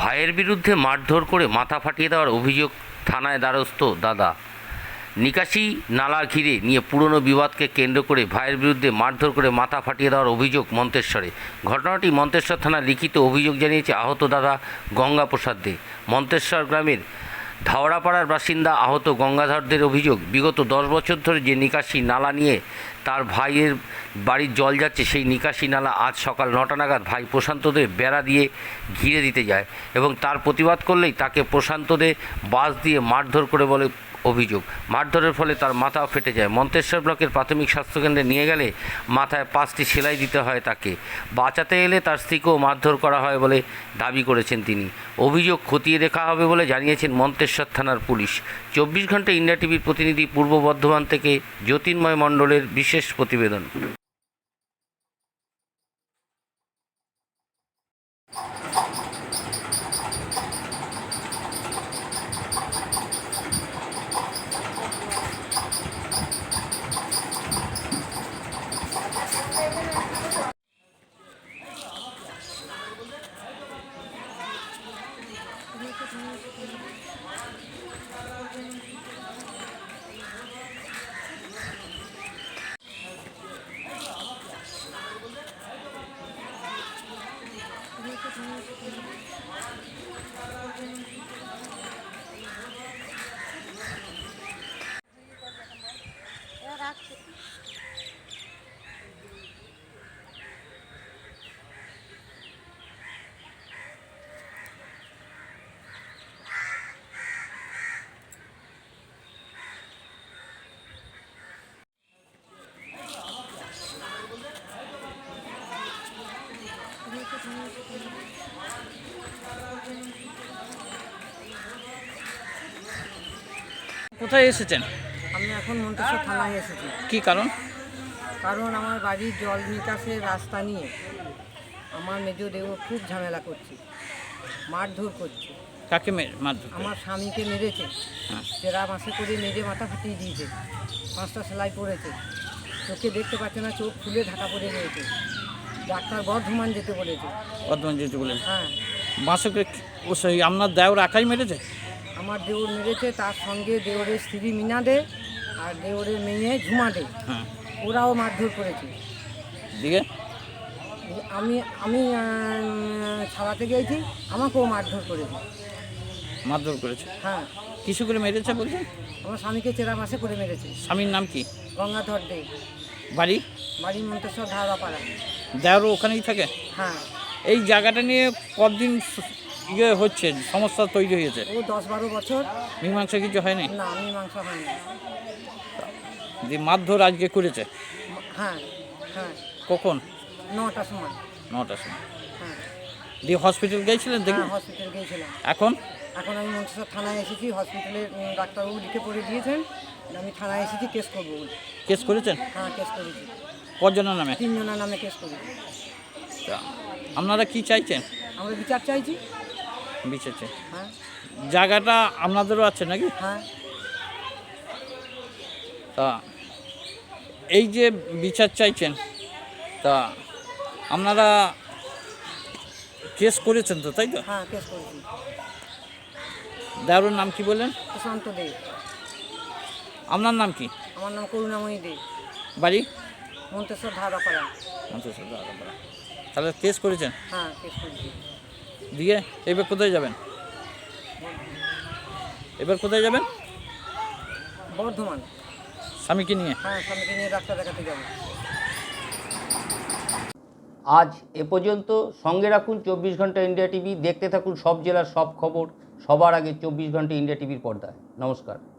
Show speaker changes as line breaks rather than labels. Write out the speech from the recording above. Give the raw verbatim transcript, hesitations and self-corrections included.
ভাইয়ের বিরুদ্ধে মারধর করে মাথা ফাটিয়ে দেওয়ার অভিযোগ, থানায় দ্বারস্থ দাদা। নিকাশি নালা ঘিরে নিয়ে পুরনো বিবাদকে কেন্দ্র করে ভাইয়ের বিরুদ্ধে মারধর করে মাথা ফাটিয়ে দেওয়ার অভিযোগ মন্তেশ্বরে। ঘটনাটি মন্তেশ্বর থানায় লিখিত অভিযোগ জানিয়েছে আহত দাদা গঙ্গাপ্রসাদ দে। মন্তেশ্বর গ্রামের ধাওড়াপাড়ার বাসিন্দা আহত গঙ্গাধরদের অভিযোগ, বিগত দশ বছর ধরে যে নিকাশি নালা নিয়ে তার ভাইয়ের বাড়ির জল যাচ্ছে, সেই নিকাশি নালা আজ সকাল নটা নাগাদ ভাই প্রশান্ত দে বেড়া দিয়ে ঘিরে দিতে যায় এবং তার প্রতিবাদ করলেই তাকে প্রশান্ত দে বাঁশ দিয়ে মারধর করে বলে অভিযোগ। মারধরের ফলে তার মাথাও ফেটে যায়। মন্তেশ্বর ব্লকের প্রাথমিক স্বাস্থ্যকেন্দ্রে নিয়ে গেলে মাথায় পাঁচটি সেলাই দিতে হয় তাকে। বাঁচাতে এলে তার স্ত্রীকেও মারধর করা হয় বলে দাবি করেছেন তিনি। অভিযোগ খতিয়ে দেখা হবে বলে জানিয়েছেন মন্তেশ্বর থানার পুলিশ। চব্বিশ ঘন্টা ইন্ডিয়া টিভির প্রতিনিধি পূর্ব বর্ধমান থেকে জ্যোতির্ময় মণ্ডলের বিশেষ প্রতিবেদন।
কোথায় এসেছেন?
আমি এখন মন্তেশ্বর থানায় এসেছি।
কি কারণ?
কারণ আমার বাড়ির জল নিকাশের রাস্তা নিয়ে আমার মেজ দেও খুব ঝামেলা করছে, মারধর করছে।
কাকে মারধর?
আমার স্বামীকে মেরেছে,
হ্যাঁ।
চেরা মাসে করে মেরে মাথা ফাটিয়ে দিয়েছে, পাঁচটা সেলাই পড়েছে, চোখে দেখতে পাচ্ছে না, চোখ ফুলে ঢাকা পড়ে রয়েছে। ডাক্তার বর্ধমান যেতে বলেছে।
বর্ধমান যেতে বলেন?
হ্যাঁ।
বাঁশকে ও সেই আপনার দেওর একাই মেরেছে?
আমার দেওর মেরেছে, তার সঙ্গে দেওরের স্ত্রী মিনা দে আর দেওরের মেয়ে ঝুমা দে,
হ্যাঁ।
ওরাও মারধর করেছে।
দিয়ে
আমি আমি ছাড়াতে গিয়েছি, আমাকেও মারধর করেছে।
মারধর করেছে?
হ্যাঁ।
কিছু করে মেরেছে বলছেন?
আমার স্বামীকে চেরা মাসে করে মেরেছে।
স্বামীর নাম কি?
গঙ্গাধর দে।
বাড়ি?
বাড়ি মন্তেশ্বর ধারাপাড়া।
দেওরও ওখানেই থাকে?
হ্যাঁ।
এই জায়গাটা নিয়ে কতদিন ইয়ে হচ্ছে, সমস্যা তৈরি হয়েছে?
ও দশ বারো বছর।
মীমাংসা কিছু হয়নি?
না, মীমাংসা হয়নি।
যে মারধর আজকে করেছে?
হ্যাঁ হ্যাঁ।
কখন?
নটার সময়।
নটার সময়।
হ্যাঁ।
দিয়ে হসপিটাল গিয়েছিলেন? দেখি
হ্যাঁ, হসপিটাল গিয়েছিলাম।
এখন?
এখন আমি মন্তেশ্বর থানায় এসেছি। হসপিটালে ডাক্তারবাবু লিখে পড়ে দিয়েছেন, আমি থানায় এসেছি কেস করবো বলে।
কেস করেছেন?
হ্যাঁ, কেস করেছি।
কজনের নামে?
তিনজনের নামে কেস করেছি।
তা আপনারা কি চাইছেন?
আমরা বিচার চাইছি।
বিচার চাই।
হ্যাঁ।
জায়গাটা আপনাদেরও আছে নাকি?
হ্যাঁ।
তা এই যে বিচার চাইছেন, তা আপনারা কেস করেছেন তো, তাই তো?
হ্যাঁ, কেস করেছি।
দেওরের নাম কি বললেন?
প্রশান্ত দে।
আপনার নাম কি?
আমার নাম করুণাময়ী দে।
বাড়ি?
মন্তেশ্বর ধারাপাড়া।
মন্তেশ্বর ধারাপাড়া। তাহলে কেস করেছেন?
হ্যাঁ, কেস করেছি।
দিয়ে এবার কোথায় যাবেন? এবার কোথায় যাবেন?
বর্ধমান।
স্বামীকে নিয়ে?
হ্যাঁ, স্বামীকে নিয়ে ডাক্তার দেখাতে যাব।
আজ এ পর্যন্ত। সঙ্গে রাখুন চব্বিশ ঘন্টা ইন্ডিয়া টিভি। দেখতে থাকুন সব জেলার সব খবর সবার আগে চব্বিশ ঘন্টা ইন্ডিয়া টিভির পর্দায়। নমস্কার।